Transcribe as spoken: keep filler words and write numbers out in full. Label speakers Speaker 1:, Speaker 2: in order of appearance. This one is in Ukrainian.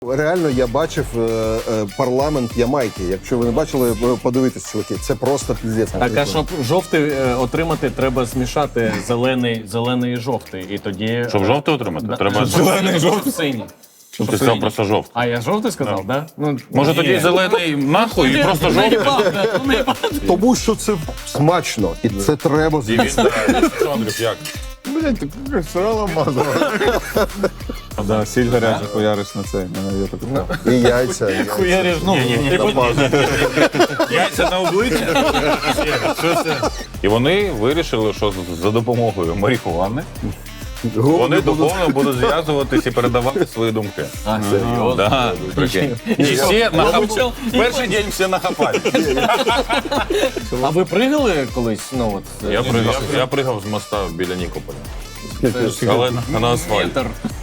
Speaker 1: Реально, я бачив е, е, парламент Ямайки. Якщо ви не бачили, подивитесь, чуваки. Це просто піздець.
Speaker 2: Так, а щоб жовтий е, отримати, треба змішати зелений, зелений і жовтий. І тоді...
Speaker 3: Щоб жовтий отримати,
Speaker 2: Да.
Speaker 3: треба...
Speaker 2: Зелений, жовтий, синій.
Speaker 3: Ти сказав просто жовтий.
Speaker 2: А я жовтий сказав, так? Да. Ну,
Speaker 3: Може
Speaker 2: ні.
Speaker 3: тоді зелений нахуй і просто
Speaker 2: Ну,
Speaker 3: жовтий?
Speaker 2: наїбав, да, ну, наїбав.
Speaker 1: Тому що це смачно, і це треба з'їсти.
Speaker 3: Як?
Speaker 4: Блять, ти як сало мазала. Да, сіль гаряча хуяриш на цей. Мене є таке.
Speaker 1: І яйця. і яйця.
Speaker 2: Хуяриш, ну, і потім-
Speaker 3: Яйця на обличчя? Що це? І вони вирішили, що за допомогою марихуани вони духовно будуть зв'язуватись і передавати свої думки.
Speaker 2: А, серйозно?
Speaker 3: Да, прикинь. І всі нахапали. Перший день всі нахапали.
Speaker 2: А ви пригали колись? Ну, от,
Speaker 3: Я пригав, я пригав з моста біля Нікополя. Але на, на асфальт.
Speaker 2: Метр.